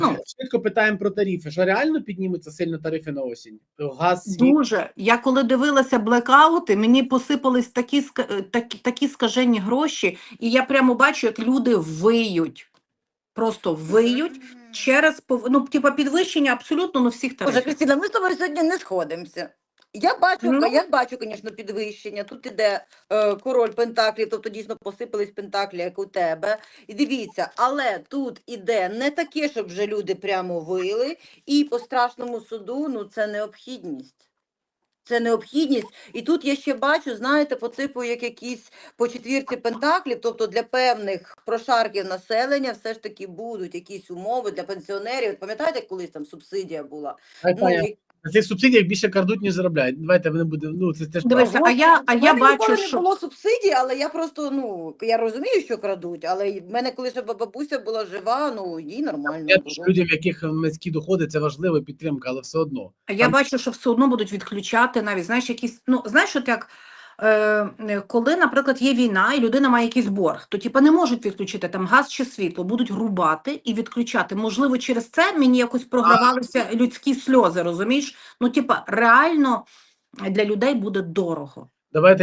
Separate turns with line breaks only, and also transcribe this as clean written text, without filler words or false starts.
Ну, швидко питаємо про тарифи. Що реально піднімуться сильно тарифи на осінь? Газ, світ?
Дуже. Я коли дивилася блекаути, мені посипались такі скажені гроші, і я прямо бачу, як люди виють. Просто виють через підвищення абсолютно на всіх
Боже,
тарифів.
Кристина, ми з тобою сьогодні не сходимося. Я бачу, звісно, підвищення. Тут іде король пентаклів, тобто дійсно посипались пентаклі, як у тебе. І дивіться, але тут іде не таке, щоб вже люди прямо вили, і по страшному суду, ну це необхідність. Це необхідність. І тут я ще бачу, знаєте, по типу, як якісь по четвірці пентаклів, тобто для певних прошарків населення все ж таки будуть якісь умови для пенсіонерів. Пам'ятаєте, як колись там субсидія була?
На цих субсидіях більше крадуть, ніж заробляють. Давайте не будемо, ну це теж
Дивися,
правда.
а я бачу,
не
що...
було субсидій, але я просто, я розумію, що крадуть, але в мене, коли ще бабуся була жива, їй нормально
Я
було.
людям, в яких низькі доходи, це важлива підтримка, але все одно.
Я бачу, що все одно будуть відключати навіть, знаєш, якісь, знаєш, от як, коли, наприклад, є війна і людина має якийсь борг, то, не можуть відключити там газ чи світло, будуть рубати і відключати. Можливо, через це мені якось програвалися людські сльози, розумієш? Реально для людей буде дорого.
Давайте